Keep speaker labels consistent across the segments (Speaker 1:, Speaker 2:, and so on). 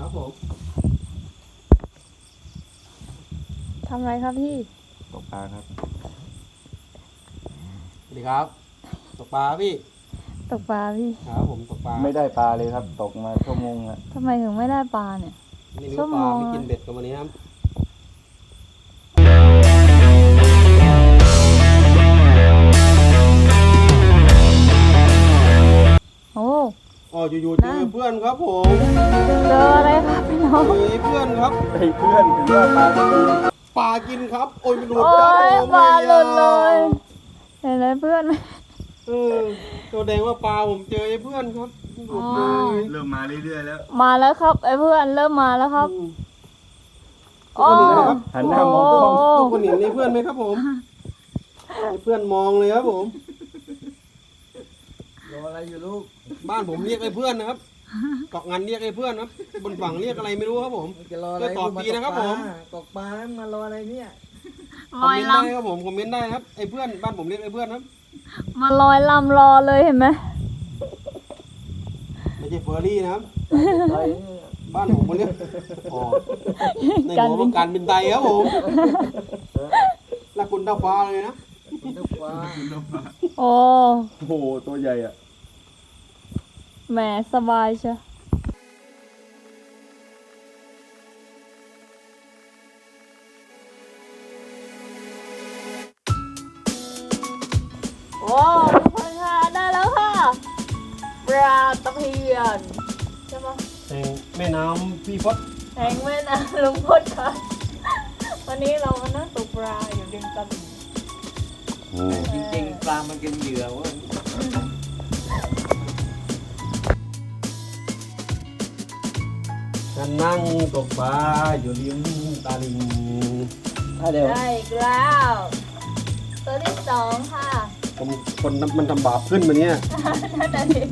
Speaker 1: ครับผม
Speaker 2: ทำอะไรครับพี่
Speaker 3: ตกปลาครับ
Speaker 1: สวัสดีครับตกปลาพี่
Speaker 2: ตกปลาพี่
Speaker 1: ครับผมตกปลา
Speaker 3: ไม่ได้ปลาเลยครับตกมาชั่วโมงละ
Speaker 2: ทำไมถึงไม่ได้ปลาเนี่ย
Speaker 1: ไม่รู้
Speaker 2: ชั่วโม
Speaker 1: ปลาง ไม่กินเบ็ดกันวันนี้ครับ
Speaker 2: โอ้
Speaker 1: อ๋ออยู่ๆเจอเพื่อนครับผม
Speaker 2: เจออะไรครับพี่น้อง
Speaker 1: เจอเพื่อนครับ
Speaker 3: ไอ้เพื่อนถึงว่าปลาไม่กิน
Speaker 1: ปลากินครับโอ้ยมันหลุด
Speaker 2: โอ้
Speaker 1: ครับผม
Speaker 2: ยปลาหลุดเลยเห็นไหมเพื่อนไหม
Speaker 1: ตัวแดงว่าปลาผมเจอไอ้เพื่อนครับหลุดเลย
Speaker 3: เริ่มมาเรื่อยๆแล้ว
Speaker 2: มาแล้วครับไอ้เพื่อนเริ่มมาแล้วครับโอ้
Speaker 3: หันหน้ามองกล้อง
Speaker 1: ทุกคนเห็นไอ้เพื่อนไหมครับผมไอ้เพื่อนมองเลยครับผม
Speaker 3: รออะไรอยู่ลูก
Speaker 1: บ้านผมเรียกไอ้เพื่อนนะครับเกาะงานเรียกไอ้เพื่อนครับบนฝั่งเรียกอะไรไม่รู้ครับผม
Speaker 3: จะรออะไร
Speaker 1: ก็ตอบดีนะครับผม
Speaker 3: ตกปลาแล้วมารออะไรเนี่ย
Speaker 1: คอมเมนต์ได้ครับผมคอมเมนต์ได้ครับไอ้เพื่อนบ้านผมเรียกไอ้เพื่อนครับ
Speaker 2: มาลอยลำรอเลยเห็นไหม
Speaker 1: ไม่ใช่เฟอร์รี่นะครับบ้านผมคนนี้อ๋อในหัวของการบินไตครับผมและคุณดาวฟ้าเลยนะ
Speaker 2: โอ้
Speaker 3: โหตัวใหญ่อ่ะ
Speaker 2: แหมสบายเชียวโอ้ทุกคนค่ะได้แล้วค่ะปลาตะเพียนใช่ปะ
Speaker 1: แห่งแม่น้ำพี่พด
Speaker 2: แหงแม่นะลุงพดค่ะวันนี้เรามานั่งตกปลาอยู่ริมตลิ่ง
Speaker 3: จริงๆปลามันกินเหยื่อเว้ย
Speaker 1: นั่งตกปลาอยู่ริมตาลิง
Speaker 2: ได้อีกแล้วตัวที่สองค่ะ
Speaker 1: คนมันทำบาปขึ้นมาเนี่ย
Speaker 2: นั่นแหละสิ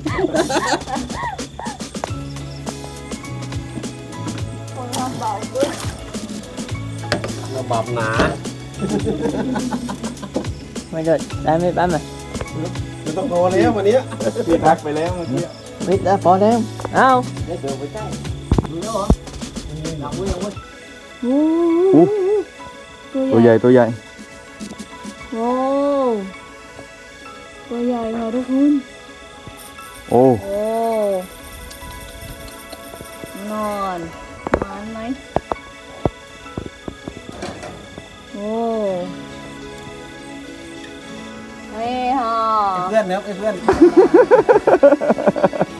Speaker 2: คนทำบาปขึ้น
Speaker 1: เราบาปหนา
Speaker 2: ไม่เดือดได้ไม่ปั้มเลย
Speaker 1: ไม่ต้องโทรแล้ววันนี้
Speaker 3: พี่พักไปแล้วเมื่อกี้
Speaker 2: วิทย์แล้วพอแล้วเอา
Speaker 3: เดี๋ยวไปใกล้ดูแล้วเหรอยังไม่
Speaker 2: ตัวใหญ่
Speaker 3: ตัวใหญ่
Speaker 2: โอ้ตัวใหญ่ค่ะทุกคน
Speaker 3: โอ้
Speaker 2: นอนไหมโอ้เฮ้ยฮะ
Speaker 1: เพื่อนนะครับเพื่อน